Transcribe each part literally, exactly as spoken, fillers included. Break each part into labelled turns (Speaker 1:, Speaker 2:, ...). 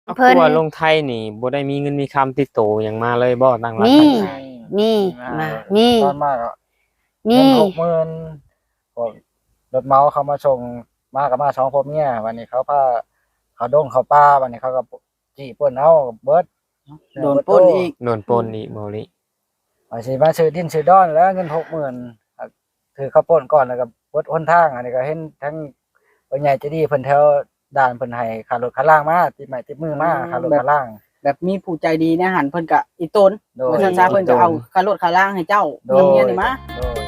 Speaker 1: เพิ่นว่าลงไทยนี่บ่ได้มีเงินมีคำติดโตหยังมาเลยบ่ตั้งหลัก
Speaker 2: มี
Speaker 1: ตั้งใจ
Speaker 2: มีมามี
Speaker 3: ตอนมากอ่ะ
Speaker 2: มี
Speaker 3: เงินหกหมื่นพวกรถเมาเขามาส่งมากับมาสองพ่อเมียวันนี้เขาพาเขาดงเขาป้าวันนี้เขาก็จี้ปล้นเอาเบิด
Speaker 4: โดนปล้นอีก
Speaker 1: โดนปล้นอีกบ่ลิ
Speaker 3: ว่าสิมาซื้อดินซื้อดอนแล้วเงินหกหมื่นถือเขาปล้นก่อนแล้วก็เบิดหนทางอันนี้ก็เห็นทั้งผู้ใหญ่ใจะดีเพิ่นแถวด่านเพิ่นให้ค่ารถค่าล่างมาติดไม้ติดมือมาค่ารถค่าล่าง
Speaker 4: แบบมีผู้ใจดีนะหันเพิ่นก็อีตน
Speaker 3: โดย
Speaker 4: ว่าซั่นซะเพิ่นก็เอาค่ารถค่าล่างให้เจ้า
Speaker 3: โดย
Speaker 4: เมียนี่มา
Speaker 3: โดย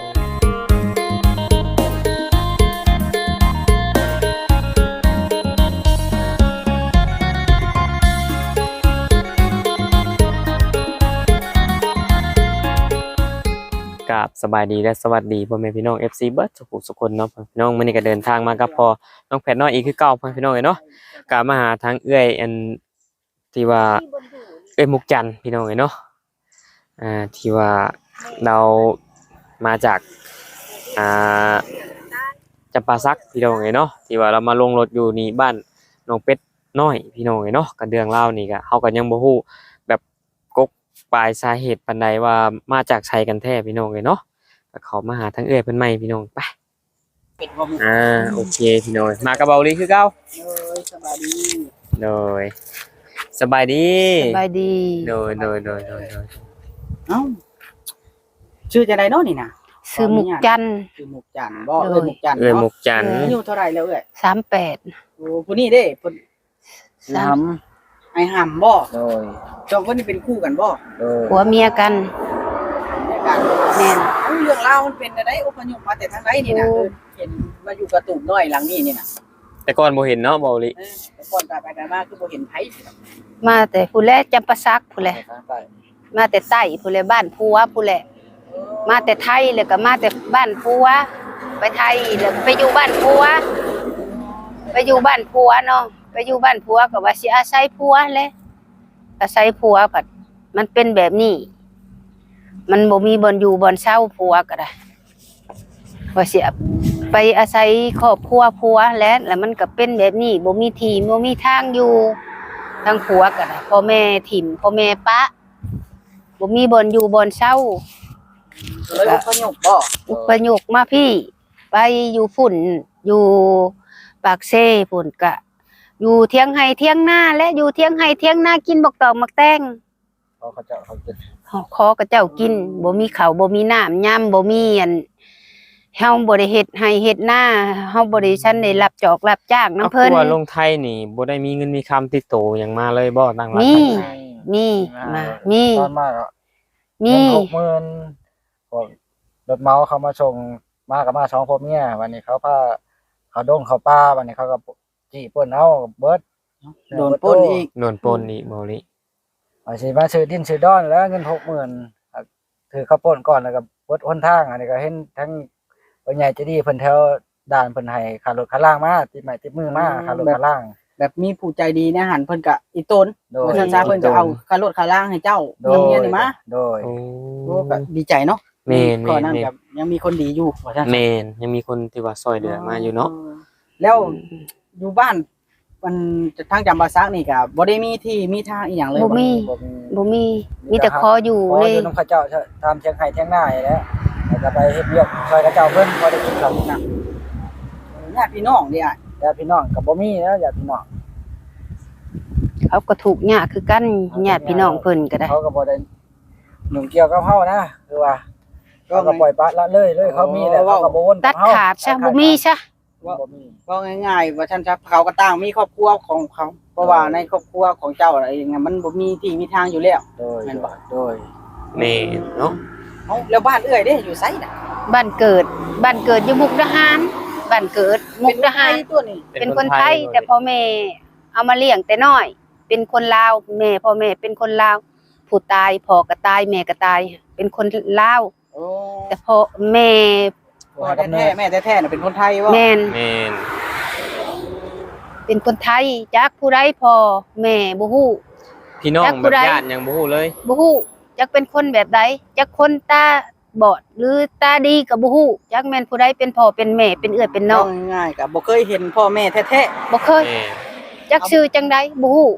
Speaker 1: กับสบายดีและสวัสดีพ่อแม่พี่น้อง เอฟ ซี เบิร์ดทุกทุกคนเนาะพี่น้องมื้อนี้ก็เดินทางมากับพ่อน้องแพทน้อยอีกคือเก่าพ่อพี่น้องเอ้ยเนาะก็มาหาทางเอื้อยอันที่ว่าเอ้ยมุกจันทร์พี่น้องเอ้ยเนาะอ่าที่ว่าเรามาจากอ่าจำปาสักพี่น้องเอ้ยเนาะที่ว่าเรามาลงรถอยู่นี่บ้านน้องเป็ดน้อยพี่น้องเอ้ยเนาะก็เรื่องเล่าวนี่ก็เฮาก็ยังบ่ฮู้แบบกกปลายสาเหตุปานใดว่ามาจากไสกันแท้พี่น้องเอ้ยเนาะก็เขามาหาทางเอื้อยเพิ่นใหม่พี่น้องไปอ่าโอเคพี่น้องมากับเบาลีคือเก่า
Speaker 4: เอ้ยสบายดี
Speaker 1: โดยสบายดี
Speaker 2: สบายดี
Speaker 1: โดยโดยโดยโดยโดย
Speaker 4: เอ้าชื่อจังไดเนาะนี่น่ะ
Speaker 2: ซื้อหมุกจันทร์
Speaker 4: ชื่อมุกจันทร์บ่
Speaker 2: โดย
Speaker 4: เอ้ยมุกจันทร์
Speaker 1: เอ้ย
Speaker 4: เนาะ
Speaker 1: มุกจันทร์
Speaker 4: อายุเท่าไหร่แล้วเอ้ย
Speaker 2: สามแปด
Speaker 4: โอ้ผู้นี้เด้เพิ่น
Speaker 3: ท
Speaker 4: ไอ้ห่ำบ่
Speaker 3: ำโดย
Speaker 4: สองคนนี้เป็นคู่กันบ่
Speaker 3: โดย
Speaker 2: ผัวเมียกัน
Speaker 4: ในการ
Speaker 2: แม่น
Speaker 4: เอ้าเรื่องราวมันเป็นจังได๋อพยพมาแต่ทางใดนี่น่ะ
Speaker 2: โอ้
Speaker 4: เออเห็นมาอยู่กระตูบน้อยหลังนี้นี่น่ะ
Speaker 1: แต่ก่อนบ่เห็นเนาะเบาลี
Speaker 4: เออแต่ก่อนตายไปกันมาคือบ่เห็นไผ
Speaker 2: มาแต่ผู้แลจำปาสักผู้แล
Speaker 3: ทางใต้
Speaker 2: มาแต่ใต้ผู้แลบ้านผัวผู้แลมาแต่ไทยแล้วก็มาแต่บ้านผัวไปไทยแล้วก็ไปอยู่บ้านผัวไปอยู่บ้านผัวเนาะไปอยู่บ้านผัวก็ว่าสิอาศัยผัวแหละอาศัยผัวผัดมันเป็นแบบนี้ มันบ่มีบ่อนอยู่บ่อนเช่าผัวก็ได้ว่าสิไปอาศัยครอบครัวผัวแล้วแล้วมันก็เป็นแบบนี้บ่มีที่บ่มีทางอยู่ทางผัวก็ได้พ่อแม่ถิ่มพ่อแม่ปะบ่มีบ่อนอยู่บ่อนเช่า
Speaker 4: เลยอพยพบ่
Speaker 2: อุปยกมาพี่ ไปอยู่ฝุ่นอยู่ปากเซ่ฝุ่นกะ อยู่เทียงไห้เทียงหน้าและอยู่เทียงไห้เทียงหน้ากินบักตองบักแตง
Speaker 3: เขาเขาจะเขาจะ
Speaker 2: ขอกับเจ้ากินบ่มีข้าวบ่มีน้ำย่ำบ่มีอันเฮาบ่ได้เฮ็ดให้เฮ็ดหน้าเฮาบ่ได้ชั้นได้รับจอกรับจ้างนำ
Speaker 1: เอา
Speaker 2: เพิ่น
Speaker 1: คือว่าลงไทยนี่บ่ได้มีเงินมีคำติดโตหยังมาเลยบ่ตั้งหลัก
Speaker 2: มี
Speaker 1: ตั้งใจ
Speaker 2: มีมามี
Speaker 3: ตอนมากอ่ะ
Speaker 2: มี
Speaker 3: เงินหกหมื่นพวกรถเมาเขามาส่งมากับมาสองพ่อเมียวันนี้เขาพาเขาดงเขาป้าวันนี้เขาก็จี้ปล้นเอาเบิด
Speaker 4: โดนปล้นอีก
Speaker 1: โดนปล้นอีกเบาลี
Speaker 3: ว่าสิมาซื้อดินซื้อดอนแล้วเงินหกหมื่นถือเขาปล้นก่อนแล้วก็เบิดหนทางอันนี้ก็เห็นทั้งผู้ใหญ่ใจะดีเพิ่นแถวด่านเพิ่นให้ค่ารถค่าล่างมาติดไม้ติดมือมาค่ารถค่าล่าง
Speaker 4: แบบมีผู้ใจดีนะหันเพิ่นก็อีตน
Speaker 3: โดย
Speaker 4: ว่าซั่นซะเพิ่นก็เอาค่ารถค่าล่างให้เจ้า
Speaker 3: โดย
Speaker 4: เมียนี่มา
Speaker 3: โดย
Speaker 1: โอ้
Speaker 4: โอ้ก็ดีใจเนาะ
Speaker 1: แม่น
Speaker 4: ข้อนั้น
Speaker 1: แม่น
Speaker 4: ก็ยังมีคนดีอยู่ว่าซั่น
Speaker 1: แม่นยังมีคนที่ว่าซอยเหลือมาอยู่เนาะ
Speaker 4: แล้วอยู่บ้านมันทางจำปาสักนี่ก็บ่ได้มีที่มีทางอีหยังเลย
Speaker 2: บ่มี
Speaker 3: บ่มี
Speaker 2: บ่มีมีแต่ขออยู่
Speaker 3: ขอ
Speaker 2: เล
Speaker 3: อย ยู่นำเขาเจ้าทำเชียงไห้เชียงหน้าอยู่แล้วแล้วก็ไปเฮ็ดเวียกช่วยเขาเจ้าเพิ่นบ่ได้กินข้าวกินน้ำ
Speaker 4: ญาติพี่น้องนี่อ่ะ
Speaker 3: ญาติพี่น้องก็บ่มีแล้วญาติพี่น้อง
Speaker 2: เขาก็ถูกยากคือกันญาติพี่น้องเพิ่นก็ได้
Speaker 3: เขาก็บ่ได้หนุ่มเกี่ยวกับเฮานะคือว่าเขาก็ปล่อยปละละเลยเลยเขามีแล้วเขาก็บ่วนกั
Speaker 2: ตั
Speaker 3: บ
Speaker 2: ด
Speaker 3: เฮา
Speaker 2: ขาดซะบ่มีซะ
Speaker 3: บ่มี
Speaker 4: ก็ง่ายๆว่าท่านครับเขาก็ต่างมีครอบครัวของเขาเพราะว่าในครอบครัวของเจ้าอะไรอย่างเงี้ยมันบ่มีที่มีทางอยู่แล้ว
Speaker 3: โดย
Speaker 4: แม่นบ่
Speaker 3: โดย
Speaker 1: แม่นเนาะ
Speaker 4: เอ้าแล้วบ้านเอื้อยเด้อยู่ไสน่ะ
Speaker 2: บ้านเกิดบ้านเกิดอยู่มุกดาหารบ้านเกิดมุกดาหาร
Speaker 4: เป็นไทยตัวนี้
Speaker 2: เป็นคนไทยแต่พ่อแม่เอามาเลี้ยงแต่น้อย เป็นคนลาวแม่พ่อแม่เป็นคนลาวผู้ตายพ่อก็ตายแม่ก็ตาย เป็นคนลาว
Speaker 4: โอ้
Speaker 2: แต่พ่อแม่
Speaker 4: พ่อแท้ๆแม่แท้ๆน่ะเป็นคนไทยว่า
Speaker 2: แม่น
Speaker 1: แม่น
Speaker 2: เป็นคนไทยจักผู้ใดพ่อแม่บ่ฮู้
Speaker 1: พี่น้อง
Speaker 2: จัก
Speaker 1: แบ
Speaker 2: ผู้
Speaker 1: บ
Speaker 2: ใด
Speaker 1: ญาติยังบ่ฮู้เลย
Speaker 2: บ่ฮู้จักเป็นคนแบบใดจักคนตาบอดหรือตาดีก็บ่ฮู้จักแม่นผู้ใดเป็นพ่อเป็นแม่เป็นเอื้อยเป็นน้อง
Speaker 4: ง่ายๆก็บ่เคยเห็นพ่อแม่แท้
Speaker 2: บ่เคย
Speaker 1: แม่น
Speaker 2: จักชื่อจังใดบ่ฮู้
Speaker 4: ๆ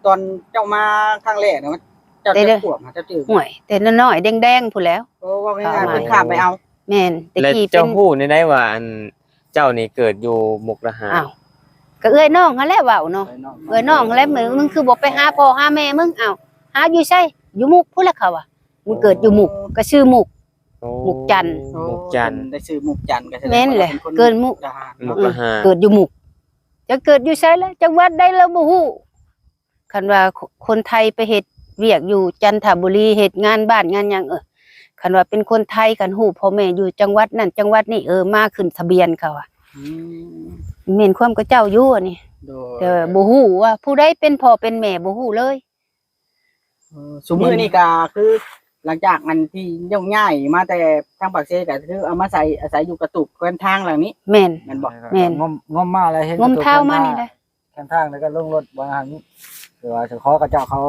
Speaker 4: ตอนเจ้ามาครั้งแรกเนี่ยมันเจ้า
Speaker 2: ได้
Speaker 4: จะ
Speaker 2: เด้อ
Speaker 4: ขวบนะเจ้าจืด
Speaker 2: ห่วยแต่น้อยๆแดงๆพู้นแหล้ว
Speaker 4: โอ้ว่าง่ายๆเพิ่นข้ามไปเอา
Speaker 2: แม่นแต่
Speaker 1: และ
Speaker 2: กี้เป็
Speaker 1: เจ้าน ฮู้ได้ได้ว่าอันเจ้านี่เกิดอยู่มุกดาหาร
Speaker 2: อ้าวก็เอ้ยน้องหั่นแหละเว้าเนาะเอ้ยน้องหั่นแหละมึงมึงคือบ่ไปหาพ่อหาแม่มึงอ้าวหาอยู่ไสอยู่มุกพุ่นแหละเขาอ่ะมึงเกิดอยู่มุกก็ชื่อมุก
Speaker 1: โอ้
Speaker 2: มุกจันทร์
Speaker 1: มุกจันทร์
Speaker 4: ได้ซื้อมุกจันทร์ก็แสดง
Speaker 2: แม่นแหละ
Speaker 4: ว่าป็ค
Speaker 2: เกินมุก
Speaker 4: ทหาร
Speaker 1: มุก
Speaker 4: เนาะ
Speaker 1: ดาหาร
Speaker 2: เกิดอยู่มุกจะเกิดอยู่ไสแล้วจังหวัดใดแล้วบ่ฮู้คันว่าคนไทยไปเฮ็ดเวียกอยู่จันทบุรีเฮ็ดงานบ้านงานหยังเออคันว่าเป็นคนไทยกันฮู้พ่อแม่อยู่จังหวัดนั้นจังหวัดนี้เออมาขึ้นทะเบียนเขาอ่ะ
Speaker 4: อืม
Speaker 2: แม่นความกับเจ้าอยู่อันนี้
Speaker 4: โดย
Speaker 2: แต่บ่ฮู้ว่าผู้ใดเป็นพ่อเป็นแม่บ่ฮู้เลย
Speaker 4: เออสมมือนี่ก็คือหลังจากมันที่ย่องง่ายมาแต่ทางปากเซก็คือเอามาใส่อาศัยอยู่กระตุกแคว้นทางหลังนี้
Speaker 2: แม่น
Speaker 4: แม่นบอก
Speaker 2: แม่น
Speaker 3: งมงมมาอะไรเห็น
Speaker 2: งมเท้ามานี่แหละ
Speaker 3: แคมทางแล้วก็ลงรถบางหันคือว่าจะขอกระเจ้าเขา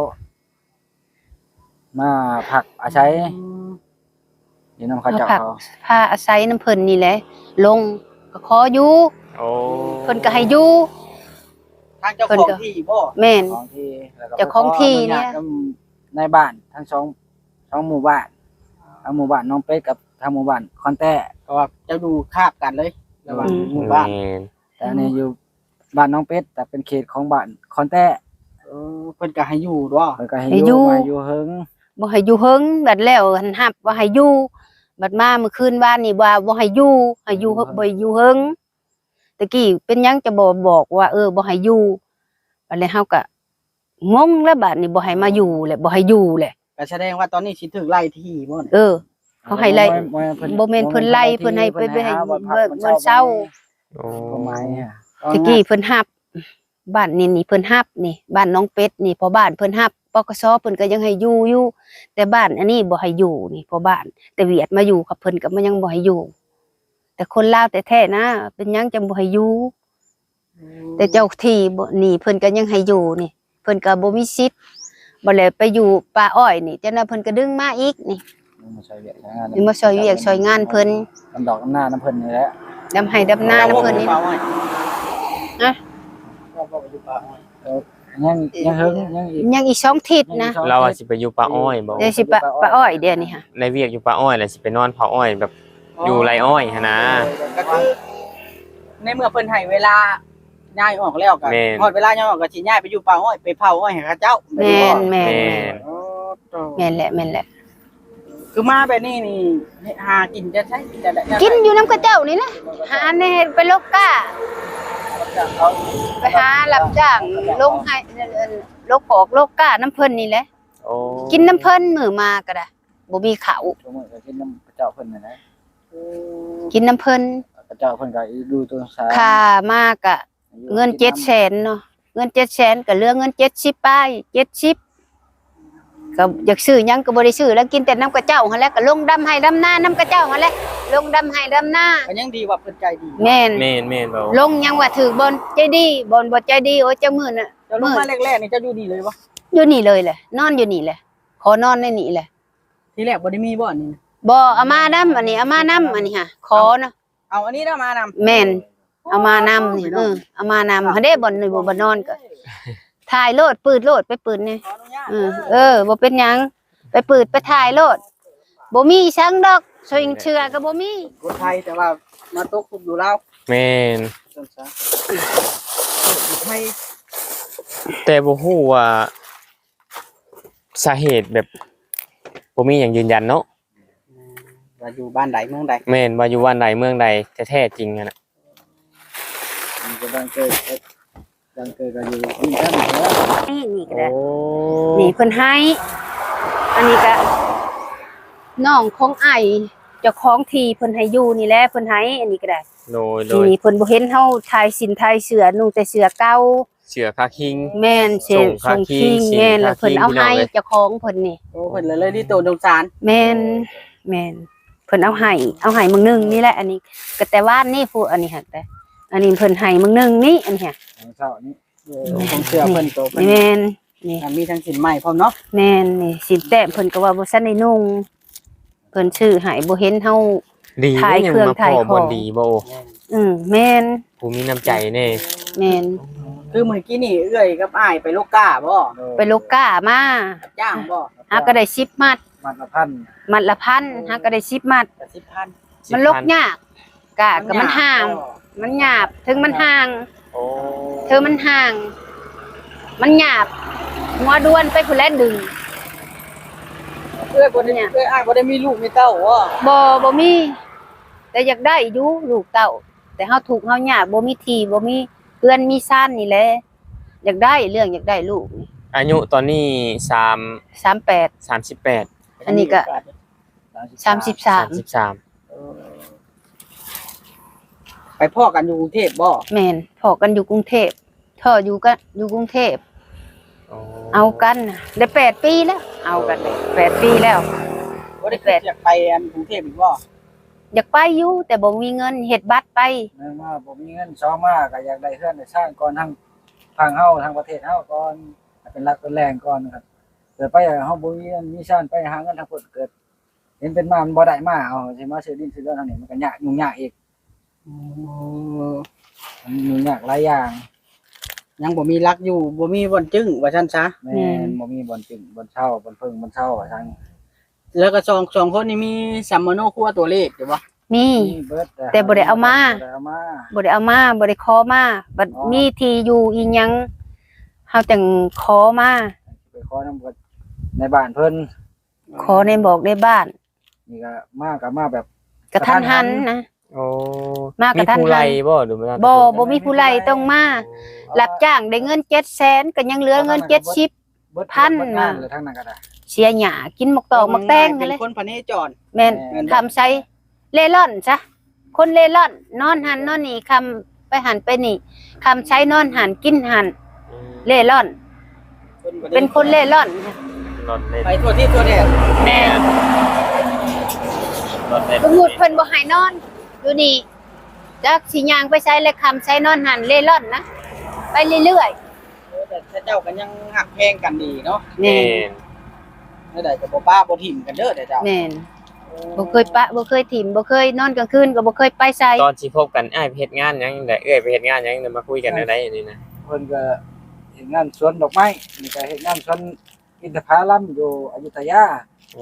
Speaker 3: มาผักอาศัยอยู่นำเขาเจ้าเขา
Speaker 2: พาอาศัยน้ำเพิ่นนี่แหละ ลงก็ขออยู่
Speaker 1: โอ้
Speaker 2: เพิ่นก็ให้อยู่
Speaker 4: ทางเจ้า
Speaker 2: เพิ่น
Speaker 4: ของ
Speaker 2: ก็
Speaker 4: ที่บ่
Speaker 2: แม่น
Speaker 3: ของที่แล้วก็
Speaker 2: เจ้าของที่เนี่ย
Speaker 3: ไปขออญาตในบ้านทั้งสองสองหมู่บ้านทั้งหมู่บ้านน้องเป็ดกับทางหมู่บ้านคอนแต้
Speaker 4: เพราะว่าเจ้าดูคาบกันเลยระหว่าง
Speaker 2: อืม
Speaker 4: หมู่บ้าน
Speaker 1: แม่น
Speaker 3: แต่อันนี้อยู่บ้านน้องเป็ดแต่เป็นเขตของบ้านคอนแต้
Speaker 4: เออเพิ่นก็ให้อยู่ด้วย
Speaker 3: แล้วก็ให้
Speaker 2: ให้
Speaker 3: อ
Speaker 2: อยู่
Speaker 3: ยู่มาอยู่เฮิง
Speaker 2: บ่ให้อยู่เฮิงบัดแล้วหันหับว่าให้อยู่บัดมาเมื่อคืนบ้านนี่ว่าบ่ให้อยู่ให้อยู่บ่ให้อยู่เฮิงตะกี้เป็นหยังจะบ่บอกว่า เออบ่ให้อยู่บัดแล้วเฮาก็งงแล้วบัดนี้บ่ให้มาอยู่แหละบ่ให้อยู่แหละ
Speaker 4: ก็แสดงว่าตอนนี้สิถึกไล่ที่บ่น่ะ
Speaker 2: เออ เขาให้ไล่
Speaker 3: บ่แม่น
Speaker 2: บ่แม่นเพิ่นไล่เพิ่นให้ไปไปให้เบิกเงินเช้า
Speaker 1: โอ้
Speaker 3: ประมาณนี้อะ
Speaker 2: ตะกี้เพิ่นฮับบ้านนี่นี่เพิ่นฮับนี่บ้านน้องเป็ดนี่พอบ้านเพิ่นฮับปกสเพิ่นก็ยังให้อยู่อยู่แต่บ้านอันนี้บ่ให้อยู่นี่พอบ้าน แต่เวียดมาอยู่กับเพิ่นก็มันยังบ่ให้อยู่ แต่คนลาวแต่แท้ๆนะเป็นหยังจังบ่ให้อยู่แต่เจ้าที่บ่นี่เพิ่นก็ยังให้อยู่นี่ เพิ่นก็บ่มีสิทธิ์บ่แล้วไปอยู่ป่าอ้อยนี่จังนั้นเพิ่นก็ดึงมาอีกนี่
Speaker 3: มาช่วยเวียกช่วยงาน
Speaker 2: นี่มาช่วยเวียกช่วยงานเพิ่น
Speaker 3: น้ำดอกน้ำหน้าน้ำเพิ่นนี่แหละ
Speaker 2: ดำให้ดำนาน้ำเพิ่นนี่
Speaker 4: ป่าอ้อย
Speaker 2: นะ
Speaker 4: ก็บ่ไปอยู่ป่าอ้อย
Speaker 3: ยังยังเฮิงยังอีก
Speaker 2: ยังอีกสองทิศนะ
Speaker 1: เราอะสิไปอยู่ป่าอ้อยบ่
Speaker 2: เดี๋ยวสิป่าป่าอ้อยเดี๋ยวนี้ค่ะ
Speaker 1: ในเวียกอยู่ป่าอ้อยแล้วสิไปนอนเผาอ้อยแบบอยู่ไรอ้อยหั่นนะ
Speaker 4: ก็คือในเมื่อเพิ่นให้เวลาย้ายออกแล้วก็
Speaker 1: แม่น
Speaker 4: ฮอดเวลาย้ายออกก็สิย้ายไปอยู่ป่าอ้อยไปเผาอ้อยให้เขาเจ้า
Speaker 2: แม่นแม่น
Speaker 1: แม่
Speaker 2: แม่น
Speaker 1: น
Speaker 4: โอ้โต
Speaker 2: แม่นแหละแม่นแหละ
Speaker 4: คือมาแบบนี้นี่หากินจะใช้จะได้
Speaker 2: กินอยู่น้ำกระเจ้านี่แหละหาในเฮ็ดไปโลกกา
Speaker 4: เขา
Speaker 2: ไปหารับจ้างลงให้โลกออกโลกกาน้ำเพิ่นนี่แหละ
Speaker 1: โอ้
Speaker 2: กินน้ำเพิ่นมื้อมาก็ได้บ่มีข้าว
Speaker 3: ชั่วโมงก็กินน้ำพระเจ้าเพิ่นน่ะนะ
Speaker 2: กินน้ำเพิ่น
Speaker 3: พระเจ้าเพิ่นก็ดูตัวสาร
Speaker 2: ค่ามากก็เงินเจ็ดแสนเนาะเงินเจ็ดแสนก็เหลือเงินเจ็ดสิบไปเจ็ดสิบก็อยากซื้อหยังก็บ่ได้ซื้อแล้วกินแต่น้ำกระเจ้าหั่นแหละก็ลงดำให้ดำนาน้ำกระเจ้าหั่นแหละลงดำให้ดำนา
Speaker 4: ก็ยังดีว่าเพิ่นใจดี
Speaker 2: แม่น
Speaker 1: แม่นแม่นบ่
Speaker 2: ลงยังว่าถือบนใจดีบนบ่ใจดีโอ้ยเจ้ามื้อน่ะ
Speaker 4: เจ้าลงมาแรกๆนี่เจ้าอยู่ดีเลยบ่
Speaker 2: อยู่นี่เลยแหละนอนอยู่นี่แหละขอนอนในนี่แหละ
Speaker 4: ทีแรกบ่ได้มีบ่นี่
Speaker 2: บ่เอามานำอันนี้เอามานำอันนี้ค่ะขอเนาะ
Speaker 4: เอาอันนี้นะมานำ
Speaker 2: แม่นเอามานำนี่เออเอามานำเฮาได้บ่นี่บ่บ่นอนก็ถ่ายโลดปืดโลดไปปืดนี่
Speaker 4: ขออนุญาต
Speaker 2: เออเออบ่เป็นหยังไปปืดไปถ่ายโลดบ่มีชังดอกสวิงเชื่อก็บ่มี
Speaker 4: คนไทยแต่ว่ามาตกคุกอยู่ลาว
Speaker 1: แม่น
Speaker 4: จังซะอยู่ไทย
Speaker 1: แต่บ่ฮู้ว่าสาเหตุแบบบ่มีหยังยืนยันเนาะ
Speaker 4: ว่าอยู่บ้านใดเมืองใด
Speaker 1: แม่นว่าอยู่วันใดเมืองใดแท้ๆจริงอะน่ะ
Speaker 3: มันก็ดังเกิดดังเกิดก็อยู่นี่กันแล้ว
Speaker 2: นี่นี่ก็
Speaker 1: โอ้
Speaker 2: ได้นี่เพิ่นให้ อันนี้ก็น้องของไอเจ้าของที่เพิ่นให้อยู่นี่แหละเพิ่นให้อันนี้ก็ได้
Speaker 1: โดยโดย
Speaker 2: นี่เพิ่นบ่เห็นเฮาทายสินทายเสือนุ่งแต่เสือเก่า
Speaker 1: เสือคาคิง
Speaker 2: แม่นเสือ
Speaker 1: ส่ง
Speaker 2: ส่ง
Speaker 1: คาคิ
Speaker 2: คิง
Speaker 1: ง
Speaker 2: แม่นแล้วเพิ่นเอา
Speaker 1: พี่น้อง
Speaker 2: ให้
Speaker 1: เลย
Speaker 2: เจ้าของเพิ่นนี่
Speaker 4: โอ้เพิ่นเลยเลยที่โตสงสาร
Speaker 2: แม่นแม่นเพิ่นเอาให้เอาให้มึงหนึงนี่แหละอันนี้ก็แต่ว่านนี่ผู้อันนี้หั่นแต่อันนี้เพิ่นให้มึงหนึงนี่อันนี้ค่ะ
Speaker 3: ของเช้านี้
Speaker 4: เออผมเชื่อเพิ่นโตเพิ่น
Speaker 2: แม่นนี่
Speaker 4: มีทั้งสินใหม่พร้อมเนาะ
Speaker 2: แม่นนี่สินแต้มเพิ่นก็ว่าบ่ซันได้นุ่งเพิ่นชื่อให้บ่เห็นเฮา
Speaker 1: ดี
Speaker 2: ถ่าย
Speaker 1: ยัง
Speaker 2: เครื่อง
Speaker 1: มาพ
Speaker 2: ถ่าย
Speaker 1: อ
Speaker 2: ของ
Speaker 1: บ่ดีบ่
Speaker 4: แม่น
Speaker 2: อืมแม่น
Speaker 1: ผู้มีน้ำใจแน่
Speaker 2: แม่น
Speaker 4: คือเมื่อกี้นี่เอื้อยกับอ้ายไปโลกกาบ่
Speaker 2: ไปโลก้ามา
Speaker 4: จ้างบ่
Speaker 2: หาก็ได้สิบมัด
Speaker 3: มัดละพัน
Speaker 2: มัดละพันหาก็ได้สิบมัด
Speaker 4: แต่สิบพัน
Speaker 2: มันลกยากกะก็มันห่าง มันหยาบถึงมันห่าง
Speaker 1: โอ้
Speaker 2: เธอมันห่าง มันหยาบหัวด้วนไปผู้แลดึง
Speaker 4: เอื้อยบ่ได้เอื้อยอ้ายบ่ได้มีลูกมีเต้าบ่
Speaker 2: บ่บ่มี แต่อยากได้อยู่ลูกเต้า แต่เฮาถูกข์เฮายากบ่มีที่บ่มีเพื่อนมีซ่านนี่แหละอยากได้เรื่องอยากได้ลูกนี่
Speaker 1: อายุตอนนี้สาม
Speaker 2: สามแปด
Speaker 1: สามสิบแปด
Speaker 2: อันนี้ก็สามสิบสาม
Speaker 1: สิบสาม
Speaker 4: ไปพ่อกันอยู่กรุงเทพบ่
Speaker 2: แม่นพอกันอยู่กรุงเทพท่ออยู่ก็อยู่กรุงเทพ
Speaker 1: โอ้
Speaker 2: เอากันน่ะได้แปดปีแล้ว เอากันได้แปดปีแล้ว
Speaker 4: บ่ได้คิดอยากไปอันกรุงเทพอีกบ่
Speaker 2: อยากไปอยู่แต่บ่มีเงินเฮ็ดบัตรไป
Speaker 3: เนื่องว่าบ่มีเงินซ้อมมาก็อยากได้เฮือนได้สร้างก่อนทั้งทางเฮาทางประเทศเฮาก่อนให้เป็นหลักเป็นแรงก่อนครับเกิดไปเฮาบ่มีเงินมีชานไปหาเงินทางพุ่นเกิด เห็นเป็นมามันบ่ได้มาเอาสิมาซื้อดินซื้อเรือนทางนี้มันก็ยากยุ่งยากอีกมันยุ่งยากหลายอย่าง
Speaker 4: ยังบ่มีรักอยู่บ่มีบ่อนจึ้งว่าซั่นซะ
Speaker 3: แม่นบ่มีบ่อนจึงบ่อนเช่าบ่อนเพิ่งบ่อนเช่าว่าซั่น
Speaker 4: แล้วก็สองสองคนนี่มีสัมมโนครัวตัวเลขอยู่บ่
Speaker 2: มี
Speaker 3: มีเบิด
Speaker 2: แต่บ่ได้เอามา
Speaker 3: บ่ได้เอามา
Speaker 2: บ่ได้เอามาบ่ได้ขอมาบัดมีที่อยู่อีหยังเฮาจังขอมา
Speaker 3: ไปขอนำกับในบ้านเพิ่น
Speaker 2: ขอในบอกในบ้าน
Speaker 3: นี่ก็มาก็มาแบบ
Speaker 2: กระทันหันนะ
Speaker 1: โอ้
Speaker 2: มากระทันหัน
Speaker 1: มีผู้ไล่บ่หรือบ่
Speaker 2: บ่บ่มีผู้ไล่ต้องมารับจ้างได้เงินเจ็ดแสนก็ยังเหลือเงินเจ็ดสิบ
Speaker 3: เบิด
Speaker 2: พัน
Speaker 3: เบิดงาน
Speaker 2: มา
Speaker 3: เลยทั้งนั้นก็ได้
Speaker 2: เสียหญ้ากินหมกตอกหมกแตง
Speaker 4: เป็
Speaker 2: นั่น
Speaker 4: น
Speaker 2: แหละ
Speaker 4: คนพเนจร
Speaker 2: แม่นคำใช้เล่ร่อนซะคนเล่ร่อน นอนหันนอนนี่คำไปหันไปนี่คำใช้นอนหันกินหันเล่ร่อน เป็นคนเล่ร่อน
Speaker 1: รถเล่น
Speaker 4: ไปทั่วที่ทั่วแดน
Speaker 1: แม่นรถเล่น
Speaker 2: สมมุติเพิ่นบ่ให้นอนอยู่นี่จักสิย่างไปใช้และคำใช้นอนหันเล่ร่อนนะไปเรื่อย
Speaker 4: แต่ถ้าเจ้ากันยังหักแพงกันดีเนาะ
Speaker 2: ๆ
Speaker 1: แม่
Speaker 2: แม่น
Speaker 4: แล้วได้ก็บ่ป้าบ่ถิ่มกันเด้อแต่เจ้า
Speaker 2: แม่นบ่เคยปะบ่เคยถิ่มบ่เคยนอนกลางคืนก็บ่เคยไปไส
Speaker 1: ตอนสิพบกันอ้ายไปเฮ็ดงานหยังได้เอ้ยไปเฮ็ดงานหยังเดี๋ยวมาคุยกันได้นี่นะ
Speaker 3: เพิ่นก็เฮ็ดงานสวนดอกไม้นี่ก็เฮ็ดงานสวนอินทผลัมอยู่อยุธยา
Speaker 1: โอ้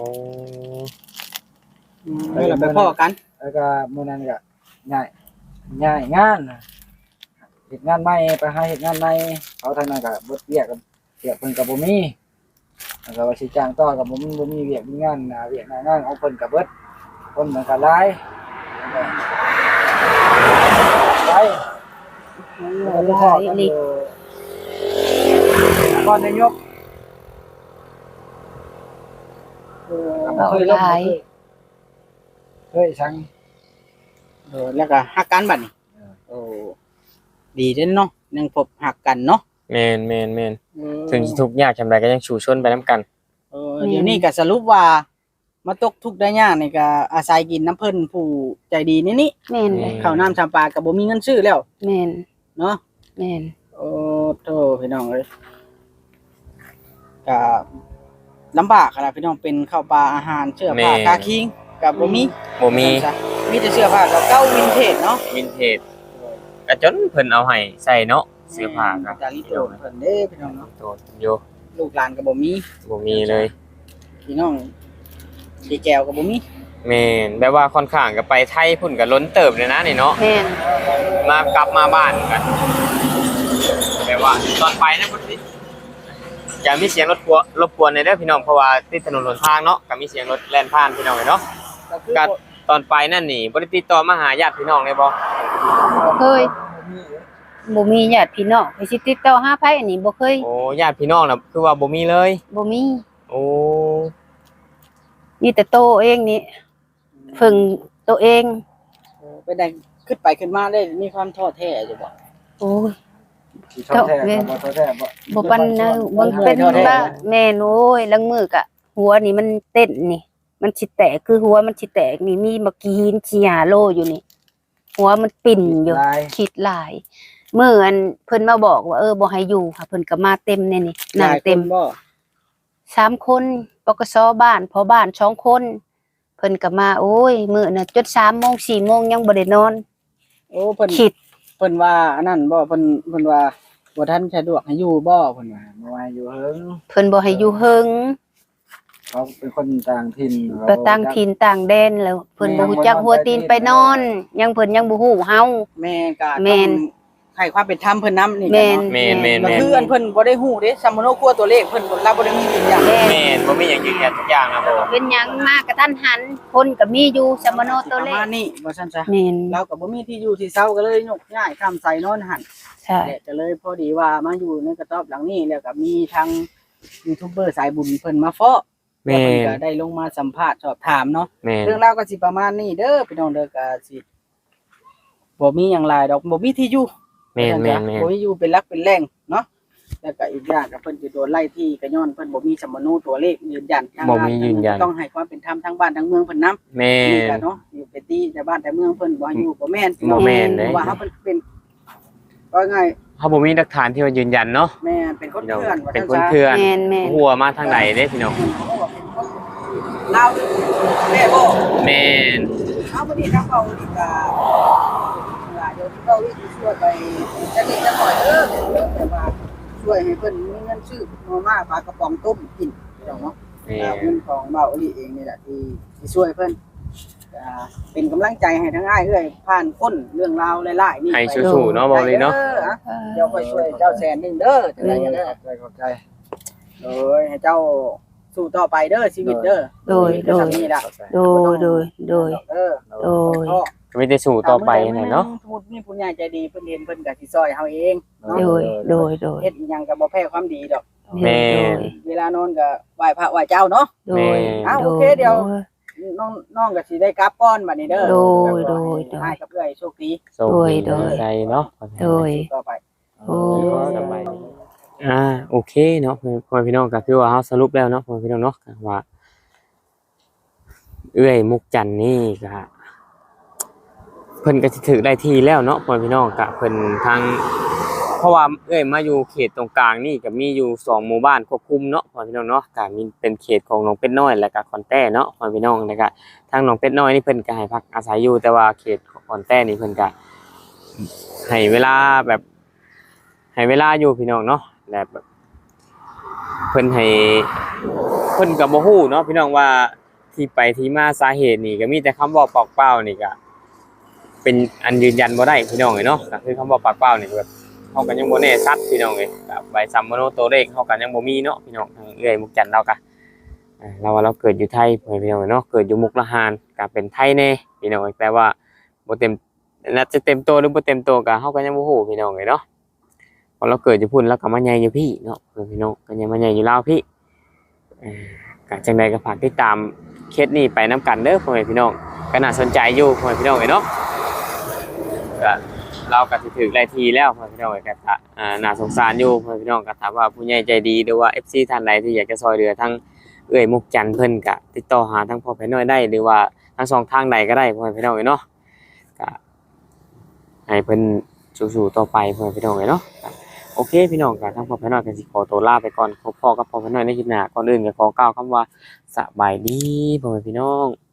Speaker 4: เออแล้วไปพ่อกัน
Speaker 3: แล้วก็มื้อนั้นก็ย้ายย้ายงานเฮ็ดงานใหม่ไปหาเฮ็ดงานใหม่เขาทางนั้นก็เบิดเวียกกันเวียกเพิ่นก็บ่มีแล้วก็ว่าสิจ้างต่อก็บ่มีบ่มีเวียกมีงานหน้าเวียกหน้างานของเพิ่นก็เบิดคนมันก็หลายไปแล้วก็พ่อกันอยู่ก่อนนายกเออเคยลงเคยเคยสั่ง
Speaker 4: เออแล้วก็หักกันบัดนี้โอ้ดีเด้อเนาะยังพบหักกันเนาะ
Speaker 1: แม่นแม่นแม่นถึงสิทุกข์ยากจำาใดก็ยังชูชนไปนํกัน
Speaker 4: เออเดี๋ยวนี้ก็สรุปว่ามาตกทุกข์ได้ยากนี่ก็อาศัยกินน้ำเพิ่นผู้ใจดีนี่นี่
Speaker 2: แม่นเลย
Speaker 4: ข้าวน้ำชามปลาก็บ่มีเงินซื้อแล้ว
Speaker 2: แม่น
Speaker 4: เนาะ
Speaker 2: แม่น
Speaker 4: โอ้โธ่พี่น้องเอ้ยก็ลำบากขนาดพี่น้องเป็นข้าวปลาอาหารเสื้อผ้ากาคิงก็บ่มี
Speaker 1: บ่มี
Speaker 4: มีแต่เสื้อผ้าเก่าๆวินเทจเนาะ
Speaker 1: วินเทจก็จนเพิ่นเอาให้ใส่เนาะเสื้อผ้าก็
Speaker 4: จาริโตเพิ่นเด้พี่น้องเนาะ
Speaker 1: โตอยู่
Speaker 4: ลูกหลานก็บ่มี
Speaker 1: บ่มีเลย
Speaker 4: พี่น้องพี่แก้วก็บ่มี
Speaker 1: แม่นแบบว่าค่อนข้างก็ไปไทยพุ่นก็ล้นเติบเลยนะนี่เนาะ
Speaker 2: แม่น
Speaker 1: มากลับมาบ้านกันแบบว่าตอนไปนะพุ่นสิอย่ามีเสียงรถกวนรบกวนในเด้อพี่น้องเพราะว่าติดถนนหนทางเนาะก็มีเสียงรถแล่นผ่านพี่น้องเนาะ
Speaker 4: ก็คือ
Speaker 1: ก็ตอนไปนั่นนี่บ่ได้ติดต่อมาหาญาติพี่น้องเลยบ่
Speaker 2: เคยบ่มีญาติพี่น้องไปสิติดต่อหาไผอันนี้บ่เคย
Speaker 1: โอ้ญาติพี่น้องน่ะคือว่าบ่มีเลย
Speaker 2: บ่มี
Speaker 1: โอ้
Speaker 2: มีแต่โตเองนี่ฝึงตัวเอง
Speaker 4: ไปได้ขึ้นไปขึ้นมาได้มีความท้อแท้อยู่บ่
Speaker 2: โอ้ย
Speaker 3: สิท้อแท้ก็บ่ท้อแท้บ่
Speaker 2: บ่ปันนะมันเป็นว่าแม่นโอ้ยลังมือกะ หัวนี่มันเต้นนี่ มันสิแตกคือหัวมันสิแตกนี่มีเมื่อกี้หินสี่ห้าโลอยู่นี่ หัวมันปิ่นอยู่
Speaker 3: หลาย
Speaker 2: คิดหลายเมื่ออันเพิ่นมาบอกว่าเออบ่ให้อยู่ค่ะเพิ่นก็มาเต็มแน่นี่นั่งเต็ม
Speaker 4: หลายคนบ่
Speaker 2: สามคนปกสบ้านพอบ้านสองคน เพิ่นก็มาโอ้ยมื้อน่ะจนสามโมงสี่โมงยังบ่ได้นอน
Speaker 4: โอ้เพิ่น
Speaker 2: คิด
Speaker 4: เพิ่นว่าอันนั้นบ่เพิ่นเพิ่นว่าบ่ทันสะดวกให้อยู่บ่เพิ่นว่า
Speaker 3: บ่ว่าอยู่เฮิง
Speaker 2: เพิ่นบ่ให้อยู่เฮิง
Speaker 3: เขาเป็นคนต่างถิ่น
Speaker 2: ไปต่างถิ่นต่างแดนแล้วเพิ่นบ่ฮู้จักหัวตีนไปนอน ยังเพิ่นยังบ่ฮู้เฮา
Speaker 4: แม่ก็
Speaker 2: แม่น
Speaker 4: ต้องให้ความเป็นธรรมเพิ่นนํนี่
Speaker 2: แม่น
Speaker 1: แม่นแม่น
Speaker 4: ก็
Speaker 1: แม่น
Speaker 4: คืออันเพิ่นบ่ได้ฮู้เด้ซัมโมโนครัวตัวเลขเพิ่นบ่รับบ่ได้มีอย่าง
Speaker 2: แม่น
Speaker 1: แม่นบ่มีหยังยืนยันทุกอย่างนะบ่
Speaker 2: เป็นหยังมากกระทันหันคนก็มีอยู่สมโนตัว
Speaker 4: ป
Speaker 2: เล
Speaker 4: ระ
Speaker 2: ข
Speaker 4: มาณนี้ว่าซั่นซะ
Speaker 2: แม่น
Speaker 4: เราก็บ่มีที่อยู่ที่เซาก็เลยยกย้ายข้ามใส่นอนหั่น
Speaker 2: ใช่
Speaker 4: แหละก็เลยพอดีว่ามาอยู่ในกระต๊อบหลังนี้แล้วก็มีทางยูทูบเบอร์สายบุญเพิ่นมาเฟาะ
Speaker 1: แม่น
Speaker 4: เพิ่นก็ได้ลงมาสัมภาษณ์สอบถามเนาะ
Speaker 1: แม่น
Speaker 4: เรื่องราวก็สิประมาณนี้เด้อพี่น้องเด้อก็สิบ่มีหยังหลายดอกบ่มีที่อยู่
Speaker 1: แม่นแม่นแม่น
Speaker 4: บ่มีอยู่เป็นหลักเป็นแหล่งเนาะแล้วก็อีกอย่างก็เพิ่นสิโดนไล่ที่ก็ย้อนเพิ่นบ่มีสมโนตัวเลขยืนยันทาง
Speaker 1: บ่มียืนยัน
Speaker 4: ต้องให้ความเป็นธรรมทางบ้านทางเมืองเพิ่นนำ
Speaker 1: แม่
Speaker 4: นี่
Speaker 1: น
Speaker 4: ก็เนาะอยู่ไปตีแต่บ้านแต่เมืองเพิ่นบ่ให้อยู่บ่แม่น
Speaker 1: บ่แม่นเด้
Speaker 4: เพราะว่าเฮาเพิ่นเป็นว่าไง
Speaker 1: เฮาบ่มีหลักฐานที่ว่ายืนยันเนาะ
Speaker 4: แม่นเป็นคน
Speaker 1: พี่น้อง
Speaker 4: เถื่อนว่า
Speaker 1: เป็น
Speaker 4: ซั่
Speaker 1: คน
Speaker 4: ซะ
Speaker 1: เถื่อน
Speaker 2: แม่นแม่น
Speaker 1: หัวมาทางไหนเด้พี่น้อง
Speaker 4: ลาวแม่บ่
Speaker 1: แม่น
Speaker 4: เอาบ่ดีทางเก่านี่ก็เดี๋ยวเก่านี่สิช่วยไปจะนิดจะหน่อยเด้อแต่ว่าช่วยให้เพิ่นมีเงินซื้อมาม่าปลากระป๋องต้มกินพี่น้องเนาะ
Speaker 1: แม่
Speaker 4: อ่าน เงินของเบาอลีเองนี่แหละที่ที่ช่วยเพิ่นอ่าเป็นกำลังใจให้ทั้งอ้ายเอ้ยผ่านพ้นเรื่องราวหลายๆนี่
Speaker 1: ให้สู้ๆเนาะบ่เลยเนาะ
Speaker 4: ด้ออะเดี๋ยวค่อยช่วยเจ้าแสนหนึงเด้อจังได๋
Speaker 3: ข
Speaker 4: เด้อ
Speaker 3: อบใจขอบใจ
Speaker 4: โอ้ยให้เจ้าสู้ต่อไปเด้อชีวิตเด้อ
Speaker 2: โดยโดย
Speaker 4: ทำนี่ล่ะ
Speaker 2: โดยโดยโดย
Speaker 4: เด้อ
Speaker 2: โดย
Speaker 4: พ่อ
Speaker 1: ก็มีแต่สู้ต่อไปนั่นเนาะ
Speaker 4: สมมุติมีผู้ใหญ่ใจดีเพิ่นเห็นเพิ่นก็สิซอยเฮาเอง
Speaker 2: โดยโดยโดย
Speaker 4: เฮ็ดอิหยังก็บ่แพ้ความดีดอก
Speaker 1: แม่
Speaker 4: เวลานอนก็ไหว้พระไหว้เจ้าเนาะ
Speaker 2: โดย
Speaker 4: อ้าวโอเคเดี๋ยว น้องน้องก็สิได้กลับก่อนบัดนี้เด้อ
Speaker 2: โดยโดยโดย
Speaker 4: ให้กับเอื้อยโชคดี
Speaker 1: โชคดี
Speaker 2: โดย
Speaker 1: ใจเนาะ
Speaker 2: โดย
Speaker 4: ต่อไป
Speaker 2: โอ้ย
Speaker 1: สบายดีอ่าโอเคเนาะพ่อพี่น้องก็คือว่าเฮาสรุปแล้วเนาะพ่อพี่น้องเนาะก็ว่า เอื้อยมุกจันทร์นี่ก็เพิ่นก็สิถึกได้ที่แล้วเนาะพ่อพี่น้องก็เพิ่นทางเพราะว่าเอื้อยมาอยู่เขตตรงกลางนี่ก็มีอยู่สองหมู่บ้านควบคุมเนาะพ่อพี่น้องเนาะก็มีเป็นเขตของหนองเป็ดน้อยและก็ขอนแต้เนาะพ่อพี่น้องแล้วก็ทางหนองเป็ดน้อยนี่เพิ่นก็ให้พักอาศัยอยู่แต่ว่าเขตของขอนแต้นี่เพิ่นก็ให้เวลาแบบให้เวลาอยู่พี่น้องเนาะและแบบเพิ่นให้เพิ่นก็บ่ฮู้เนาะพี่น้องว่าที่ไปที่มาสาเหตุนี่ก็มีแต่คำเว้าปากเปล่านี่ก็เป็นอันยืนยันบ่ได้พี่น้องเอ้ยเนาะก็คือคำเว้าปากเปล่านี่แบบเฮาก็ยังบ่แน่ชัดพี่น้องเอ้ยก็ใบซัมโมโนตัวเลขเฮาก็ยังบ่มีเนาะพี่น้องทางเอื้อยมุกจันทร์เราก็อ่าเราว่าเราเกิดอยู่ไทยพี่น้องเอ้ยเนาะเกิดอยู่มุกดาหารก็เป็นไทยแน่พี่น้องเอ้ยแต่ว่าบ่เต็มน่าจะเต็มตัวหรือบ่เต็มตัวก็เฮาก็ยังบ่ฮู้พี่น้องเอ้ยเนาะพอเราเกิดอยู่พุ่นแล้วก็มาใหญ่อยู่พี่เนาะพี่น้องก็ยังมาใหญ่อยู่ลาวพี่อ่าก็จังใดก็ฝากติดตามเคสนี้ไปนํกันเด้อพ่อแม่พี่น้องก็น่าสนใจอยู่พ่อแม่พี่น้องเอ้ยเนาะก็เราก็สิถึกหลายทีแล้วพ่อแม่พี่น้องเอ้ยก็ถ้าอ่าน่าสงสารอยู่พ่อแม่พี่น้องก็ถามว่าผู้ใหญ่ใจดีหรือว่า เอฟ ซี ท่านใดที่อยากจะช่วยเหลือทั้งเอ้อยมุกจันทร์เพิ่นก็ติดต่อหาทั้งพ่อแม่น้อยได้หรือว่าทั้งสองทางใดก็ได้พ่อแม่พี่น้องเอ้ยเนาะก็ให้เพิ่นสู้ๆต่อไปพ่อแม่พี่น้องเอ้ยเนาะโอเคพี่น้องก็ทั้งพ่อแม่น้อยก็สิขอตัวลาไปก่อนพบพ่อกับพ่อแม่น้อยในคลิปหน้าก่อนอื่นก็ขอกล่าวคำว่าสบายดีพ่อแม่พี่น้อง